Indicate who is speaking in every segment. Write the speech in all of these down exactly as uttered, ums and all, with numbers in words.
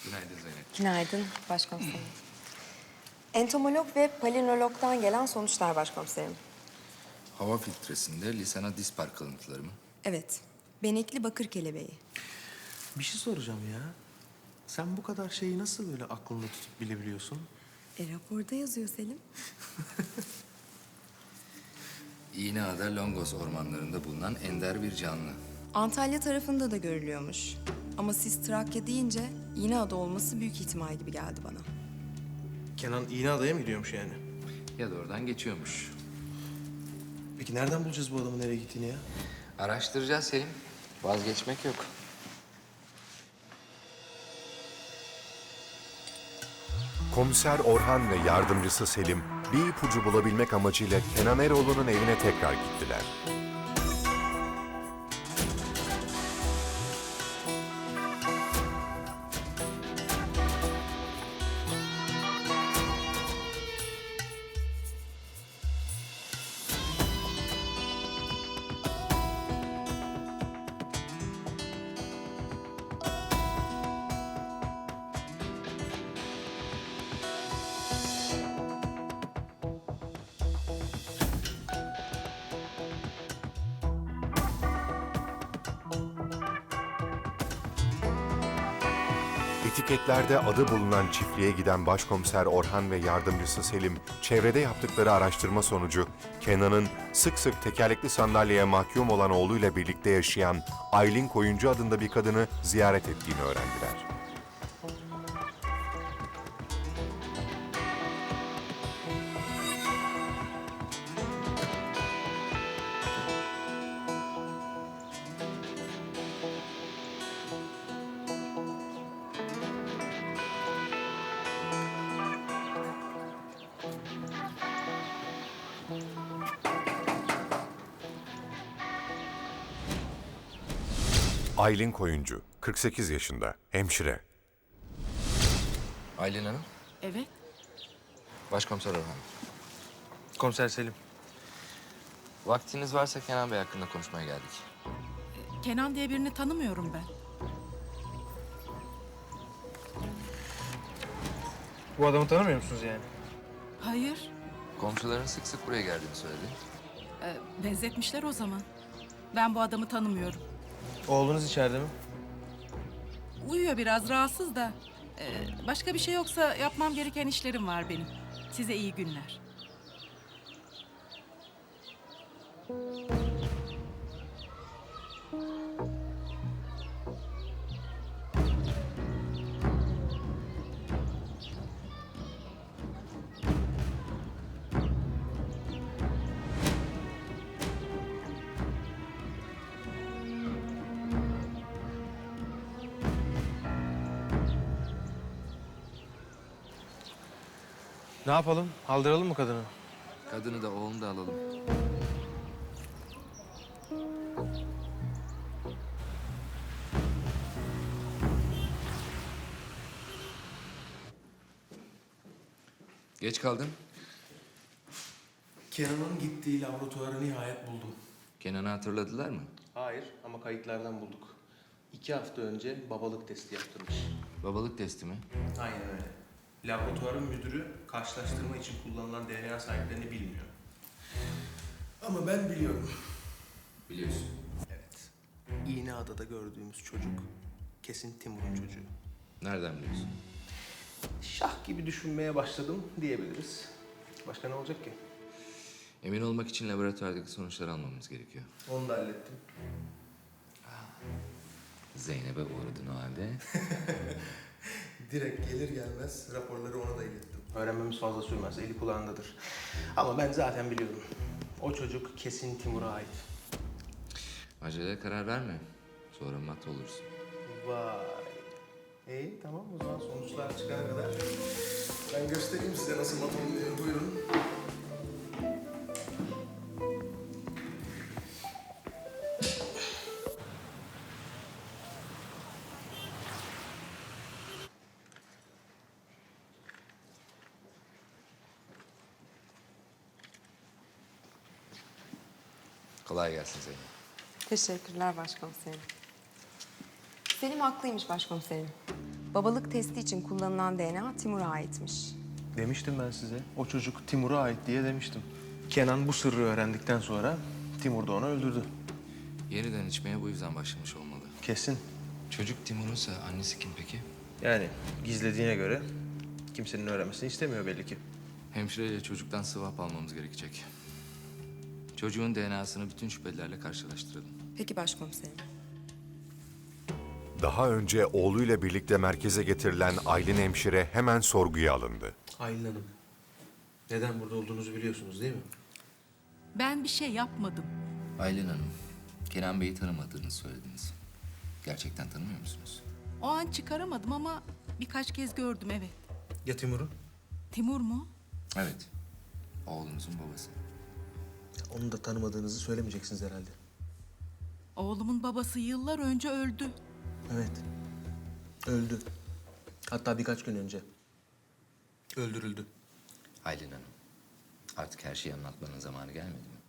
Speaker 1: Günaydın Zeynep.
Speaker 2: Günaydın başkomiserim. Entomolog ve palinologdan gelen sonuçlar başkomiserim.
Speaker 1: Hava filtresinde Lisana dispar kalıntıları mı?
Speaker 2: Evet, benekli bakır kelebeği.
Speaker 3: Bir şey soracağım ya. Sen bu kadar şeyi nasıl böyle aklında tutup bilebiliyorsun?
Speaker 2: E raporda yazıyor Selim.
Speaker 1: İğneada Longos ormanlarında bulunan ender bir canlı.
Speaker 2: Antalya tarafında da görülüyormuş. Ama siz Trakya deyince İğneada olması büyük ihtimal gibi geldi bana.
Speaker 3: Kenan İğneada'ya mı gidiyormuş yani?
Speaker 1: Ya da oradan geçiyormuş.
Speaker 3: Peki nereden bulacağız bu adamın nereye gittiğini ya?
Speaker 1: Araştıracağız Selim. Vazgeçmek yok.
Speaker 4: Komiser Orhan ve yardımcısı Selim bir ipucu bulabilmek amacıyla Kenan Eroğlu'nun evine tekrar gittiler. Etiketlerde adı bulunan çiftliğe giden Başkomiser Orhan ve yardımcısı Selim, çevrede yaptıkları araştırma sonucu Kenan'ın sık sık tekerlekli sandalyeye mahkum olan oğluyla birlikte yaşayan Aylin Koyuncu adında bir kadını ziyaret ettiğini öğrendiler. Aylin Koyuncu, kırk sekiz yaşında, hemşire.
Speaker 1: Aylin Hanım,
Speaker 5: Evet.
Speaker 1: Başkomiser Orhan.
Speaker 3: Komiser Selim.
Speaker 1: Vaktiniz varsa Kenan Bey hakkında konuşmaya geldik.
Speaker 5: Kenan diye birini tanımıyorum ben.
Speaker 3: Bu adamı tanımıyor musunuz yani?
Speaker 5: Hayır.
Speaker 1: Komşuların sık sık buraya geldiğini söyledi.
Speaker 5: e, benzetmişler o zaman. Ben bu adamı tanımıyorum.
Speaker 3: Oğlunuz içeride mi?
Speaker 5: Uyuyor biraz, rahatsız da. E, başka bir şey yoksa yapmam gereken işlerim var benim. Size iyi günler.
Speaker 3: Ne yapalım? Aldıralım mı kadını?
Speaker 1: Kadını da oğlunu da alalım. Geç kaldın.
Speaker 3: Kenan'ın gittiği laboratuvarı nihayet buldum.
Speaker 1: Kenan'ı hatırladılar mı?
Speaker 3: Hayır ama kayıtlardan bulduk. İki hafta önce babalık testi yaptırmış.
Speaker 1: Babalık testi mi?
Speaker 3: Aynen öyle. Laboratuvarın müdürü karşılaştırma için kullanılan D N A sahiplerini bilmiyor. Ama ben biliyorum.
Speaker 1: Biliyorsun.
Speaker 3: Evet. İğneada'da gördüğümüz çocuk kesin Timur'un çocuğu.
Speaker 1: Nereden biliyorsun?
Speaker 3: Şah gibi düşünmeye başladım diyebiliriz. Başka ne olacak ki?
Speaker 1: Emin olmak için laboratuvardaki sonuçları almamız gerekiyor.
Speaker 3: Onu da hallettim.
Speaker 1: Zeynep'e uğradın o halde.
Speaker 3: Direkt gelir gelmez raporları ona da ilettim. Öğrenmemiz fazla sürmez, eli kulağındadır. Ama ben zaten biliyorum. O çocuk kesin Timur'a ait.
Speaker 1: Acele karar verme. Sonra mat olursun.
Speaker 3: Vay. İyi tamam o zaman sonuçlar çıkana kadar ben göstereyim size nasıl mat oluyor. Buyurun.
Speaker 1: Kolay gelsin Zeynep.
Speaker 2: Teşekkürler başkomiserim. Selim haklıymış başkomiserim. Babalık testi için kullanılan D N A Timur'a aitmiş.
Speaker 3: Demiştim ben size. O çocuk Timur'a ait diye demiştim. Kenan bu sırrı öğrendikten sonra Timur da onu öldürdü.
Speaker 1: Yeniden içmeye bu yüzden başlamış olmalı.
Speaker 3: Kesin.
Speaker 1: Çocuk Timur'unsa annesi kim peki?
Speaker 3: Yani gizlediğine göre kimsenin öğrenmesini istemiyor belli ki.
Speaker 1: Hemşireyle çocuktan swap almamız gerekecek. Çocuğun D N A'sını bütün şüphelilerle karşılaştıralım.
Speaker 2: Peki başkomiserim.
Speaker 4: Daha önce oğluyla birlikte merkeze getirilen Aylin hemşire hemen sorguya alındı.
Speaker 3: Aylin Hanım, neden burada olduğunuzu biliyorsunuz değil mi?
Speaker 5: Ben bir şey yapmadım.
Speaker 1: Aylin Hanım, Kenan Bey'i tanımadığını söylediniz. Gerçekten tanımıyor musunuz?
Speaker 5: O an çıkaramadım ama birkaç kez gördüm, evet.
Speaker 3: Ya Timur'u?
Speaker 5: Timur mu?
Speaker 1: Evet, oğlunuzun babası.
Speaker 3: Onu da tanımadığınızı söylemeyeceksiniz herhalde.
Speaker 5: Oğlumun babası yıllar önce öldü.
Speaker 3: Evet. Öldü. Hatta birkaç gün önce. Öldürüldü.
Speaker 1: Aylin Hanım, artık her şeyi anlatmanın zamanı gelmedi mi?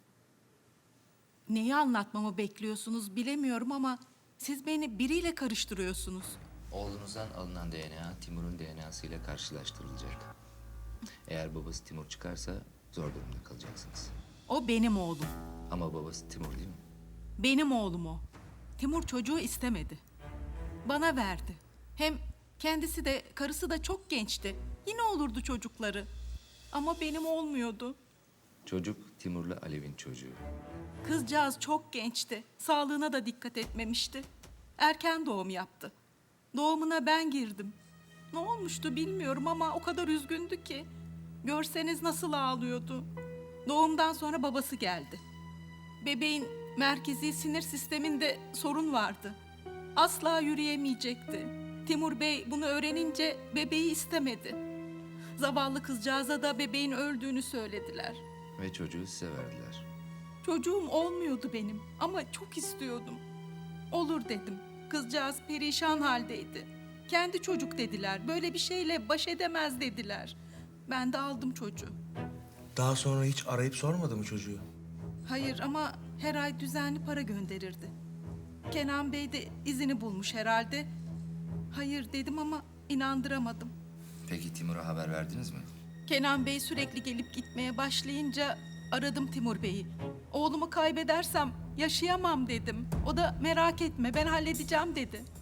Speaker 5: Neyi anlatmamı bekliyorsunuz bilemiyorum ama siz beni biriyle karıştırıyorsunuz.
Speaker 1: Oğlunuzdan alınan D N A, Timur'un D N A'sı ile karşılaştırılacak. Eğer babası Timur çıkarsa zor durumda kalacaksınız.
Speaker 5: O benim oğlum.
Speaker 1: Ama babası Timur değil mi?
Speaker 5: Benim oğlum o. Timur çocuğu istemedi. Bana verdi. Hem kendisi de karısı da çok gençti. Yine olurdu çocukları. Ama benim olmuyordu.
Speaker 1: Çocuk Timur'la Alev'in çocuğu.
Speaker 5: Kızcağız çok gençti. Sağlığına da dikkat etmemişti. Erken doğum yaptı. Doğumuna ben girdim. Ne olmuştu bilmiyorum ama o kadar üzgündü ki. Görseniz nasıl ağlıyordu. Doğumdan sonra babası geldi. Bebeğin merkezi sinir sisteminde sorun vardı. Asla yürüyemeyecekti. Timur Bey bunu öğrenince bebeği istemedi. Zavallı kızcağıza da bebeğin öldüğünü söylediler.
Speaker 1: Ve çocuğu size verdiler.
Speaker 5: Çocuğum olmuyordu benim ama çok istiyordum. Olur dedim. Kızcağız perişan haldeydi. Kendi çocuk dediler. Böyle bir şeyle baş edemez dediler. Ben de aldım çocuğu.
Speaker 3: Daha sonra hiç arayıp sormadı mı çocuğu?
Speaker 5: Hayır ama her ay düzenli para gönderirdi. Kenan Bey de izini bulmuş herhalde. Hayır dedim ama inandıramadım.
Speaker 1: Peki Timur'a haber verdiniz mi?
Speaker 5: Kenan Bey sürekli gelip gitmeye başlayınca aradım Timur Bey'i. Oğlumu kaybedersem yaşayamam dedim. O da merak etme ben halledeceğim dedi.